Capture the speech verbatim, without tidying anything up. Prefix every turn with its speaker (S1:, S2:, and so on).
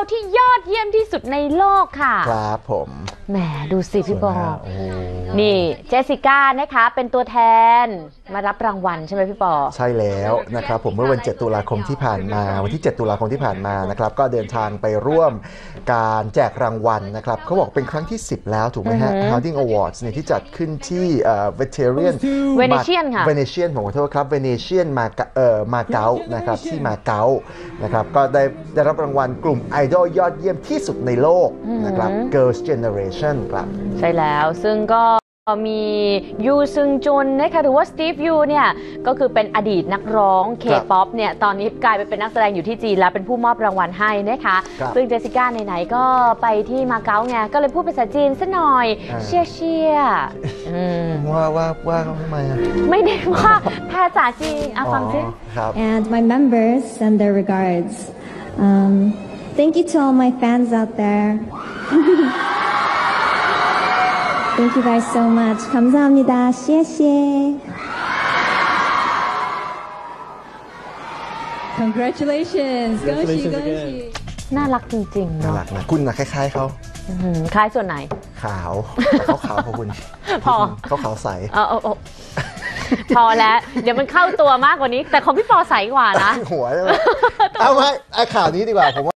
S1: ที่ยอดเยี่ยมที่สุดในโลกค่ะ
S2: ครับผม
S1: แหมดูสิพี่บอลนี่เจสสิก้านะคะเป็นตัวแทนมารับรางวัลใช่ไหมพี่ปอ
S2: ใช่แล้วนะครับผมเมื่อวันเจ็ดตุลาคมที่ผ่านมาวันที่เจ็ดตุลาคมที่ผ่านมานะครับก็เดินทางไปร่วมการแจกรางวัลนะครับเขาบอกเป็นครั้งที่สิบแล้วถูกไหมฮะ Harding Awards เนี่ยที่จัดขึ้นที่เอ่อ Veteran
S1: Venetian ค่ะ
S2: Venetian ผมขอโทษครับ Venetian มาเอ่อมาเก๊านะครับที่มาเก๊านะครับก็ได้ได้รับรางวัลกลุ่มไอดอลยอดเยี่ยมที่สุดในโลกนะครับ Girls Generation ครับ
S1: ใช่แล้วซึ่งก็มียูซึงจุนนะคะหรือว่าสตีฟยูเนี่ยก็คือเป็นอดีตนักร้องเคป๊อปเนี่ยตอนนี้กลายไปเป็นนักแสดงอยู่ที่จีนแล้วเป็นผู้มอบรางวัลให้นะคะซึ่งเจสสิก้าไหนๆก็ไปที่มาเก๊าไงก็เลยพูดภาษาจีนซะหน่อยเชียเชีย
S2: ว่าว่าว่าเขาทำไมอ่ะ
S1: ไม่ได้ว่าภาษาจีนอ่ะฟังซิ
S3: And my members send their regards. Um, thank you to all my fans out there. Thank you guys so much. 감사합니다. 谢谢.
S4: Congratulations.
S1: 恭喜恭喜น่ารักจริงๆเนาะ
S2: น่ารักนะคุณนะคล้ายๆเขา
S1: คล้ายส่วนไหน
S2: ขาวแต่เขาขาวกว่าคุณ
S1: พอ
S2: เขาขาวใส
S1: เออเออพอแล้วเดี๋ยวมันเข้าตัวมากกว่านี้แต่ของพี่ปอใสกว่านะ
S2: หัวใช่ไหมเอาไว้ไอ้ข่าวนี้ดีกว่าผม